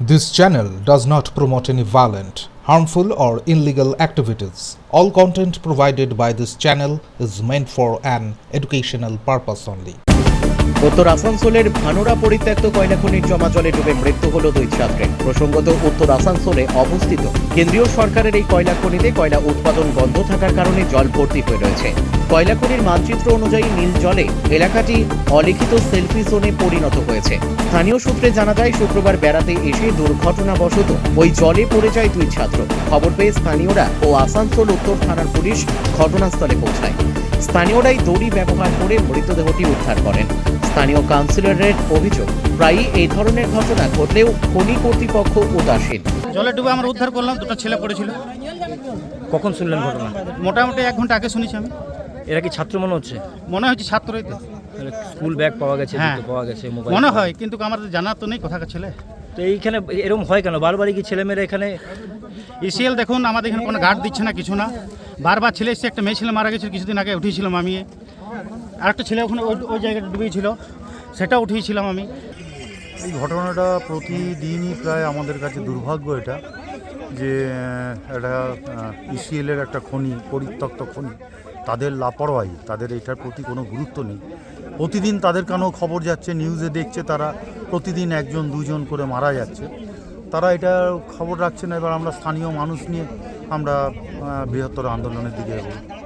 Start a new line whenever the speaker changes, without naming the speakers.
This channel does not promote any violent, harmful, or illegal activities. All content provided by this channel is meant for an educational purpose only.
উত্তর আসানসোলের ভানুরা পরিত্যক্ত কয়লা খনির জমা জলে ডুবে মৃত্যু হল 2 ছাত্রের। প্রসঙ্গত, উত্তর আসানসোলে অবস্থিত কেন্দ্রীয় সরকারের এই কয়লা খনিতে কয়লা উৎপাদন বন্ধ থাকার কারণে জল ভর্তি হয়ে রয়েছে। কয়লা খনির মানচিত্র অনুযায়ী নীল জলে এলাকাটি অলিখিত সেলফি জোনে পরিণত হয়েছে। স্থানীয় সূত্রে জানা যায়, শুক্রবার বেড়াতে এসে দুর্ঘটনাবশত ওই জলে পড়ে যায় 2 ছাত্র। খবর পেয়ে স্থানীয়রা ও আসানসোল উত্তর থানার পুলিশ ঘটনাস্থলে পৌঁছায়। স্থানীয়রাই দড়ি ব্যবহার করে মৃতদেহটি উদ্ধার করেন। স্থানীয় কাউন্সিলরের অভিযোগ, প্রায়ই এই ধরনের ঘটনা ঘটলেও খনি কর্তৃপক্ষ উদাসীন।
জলে ডুবে আমরা উদ্ধার করলাম, 2টা ছেলে পড়েছিল।
কখন শুনলেন ঘটনা?
মোটামুটি 1 ঘন্টা আগে শুনেছি আমি।
এরা কি ছাত্র মনে হচ্ছে?
মনে হচ্ছে ছাত্রই তো।
স্কুল ব্যাগ পাওয়া গেছে,
হ্যাঁ,
জুতো পাওয়া গেছে, মোবাইল
মনে হয়, কিন্তু আমাদের জানা তো নেই কোথাকার ছেলে।
তো এইখানে এরকম হয় কেন? বারবারই কি ছেলেমেয়েরা এখানে?
ইসিএল দেখুন, আমাদের এখানে কোনো গার্ড দিচ্ছে না, কিছু না। বারবার ছেলে এসে, একটা মেয়ে ছেলে মারা গেছিল কিছুদিন আগে, উঠিয়েছিলাম আমি। আরেকটা ছেলে ওখানে ওই জায়গাটা ডুবেছিল, সেটা উঠিয়েছিলাম আমি।
এই ঘটনাটা প্রতিদিনই প্রায় আমাদের কাছে দুর্ভাগ্য এটা, যে একটা ইসিএলের একটা খনি, পরিত্যক্ত খনি, তাদের লাপরওয়াহি, তাদের এটার প্রতি কোনো গুরুত্ব নেই। প্রতিদিন তাদের কানেও খবর যাচ্ছে, নিউজে দেখছে, তারা প্রতিদিন 1-2 করে মারা যাচ্ছে। তারা এটা খবর রাখছে না। এবার আমরা স্থানীয় মানুষ নিয়ে আমরা বৃহত্তর আন্দোলনের দিকে এগোবো।